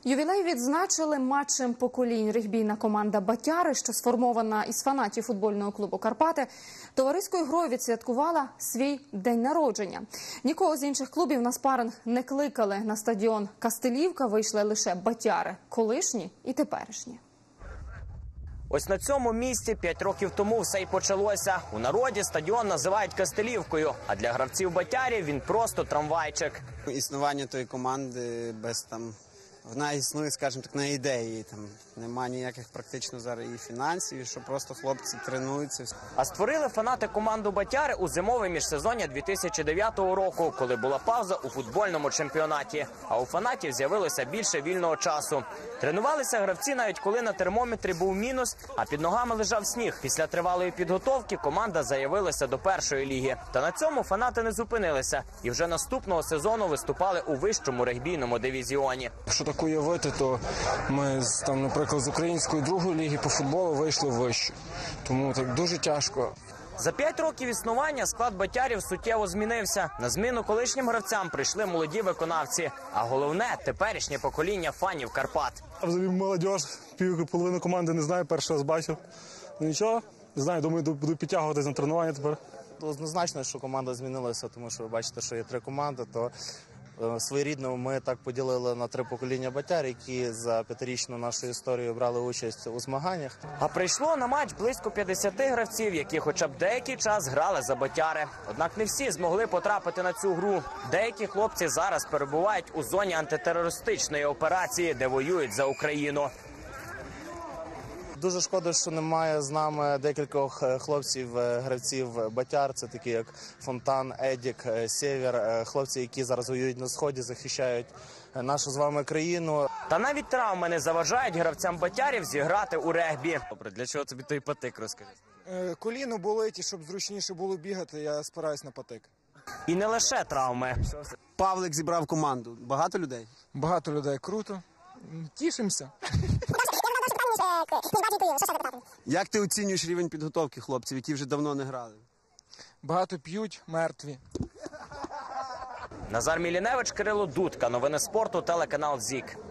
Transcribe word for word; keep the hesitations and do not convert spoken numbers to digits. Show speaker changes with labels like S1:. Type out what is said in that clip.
S1: Ювілей відзначили матчем поколінь. Регбійна команда «Батяри», що сформована із фанатів футбольного клубу «Карпати», товариською грою відсвяткувала свій день народження. Нікого з інших клубів на спаринг не кликали. На стадіон «Кастелівка» вийшли лише «Батяри» – колишні і теперішні.
S2: Ось на цьому місці п'ять років тому все й почалося. У народі стадіон називають Кастелівкою, а для гравців «Батярів» він просто трамвайчик.
S3: Існування тої команди без там... Вона існує, скажімо так, на ідеї. Там нема ніяких практично зараз і фінансів, і що просто хлопці тренуються.
S2: А створили фанати команду «Батяри» у зимове міжсезоння дві тисячі дев'ятого року, коли була пауза у футбольному чемпіонаті. А у фанатів з'явилося більше вільного часу. Тренувалися гравці навіть коли на термометрі був мінус, а під ногами лежав сніг. Після тривалої підготовки команда заявилася до першої ліги. Та на цьому фанати не зупинилися. І вже наступного сезону виступали у вищому регбійному дивізіоні.
S4: Так уявити, то ми, там, наприклад, з української другої ліги по футболу вийшли в вищу. Тому так дуже тяжко.
S2: За п'ять років існування склад «Батярів» суттєво змінився. На зміну колишнім гравцям прийшли молоді виконавці. А головне – теперішнє покоління фанів Карпат.
S5: Взагалі молодь, пів половину команди не знаю, перший раз бачив. Ну нічого, не знаю, думаю, буду підтягуватись на тренування тепер.
S6: Однозначно, що команда змінилася, тому що ви бачите, що є три команди, то своєрідно ми так поділили на три покоління «Батяр», які за п'ятирічну нашу історію брали участь у змаганнях.
S2: А прийшло на матч близько п'ятдесяти гравців, які хоча б деякий час грали за «Батяри». Однак не всі змогли потрапити на цю гру. Деякі хлопці зараз перебувають у зоні антитерористичної операції, де воюють за Україну.
S6: Дуже шкода, що немає з нами декількох хлопців, гравців «Батяр». Це такі як Фонтан, Едік, Сєвєр, хлопці, які зараз воюють на Сході, захищають нашу з вами країну.
S2: Та навіть травми не заважають гравцям «Батярів» зіграти у регбі.
S7: Добре, для чого тобі той патик, розкажи?
S8: Коліно болить, і щоб зручніше було бігати, я спираюсь на патик.
S2: І не лише травми.
S3: Павлик зібрав команду. Багато людей?
S8: Багато людей. Круто. Тішимося.
S3: Як ти оцінюєш рівень підготовки хлопців, які вже давно не грали?
S8: Багато п'ють, мертві.
S2: Назар Міліневич, Кирило Дудка. Новини спорту, телеканал ЗІК.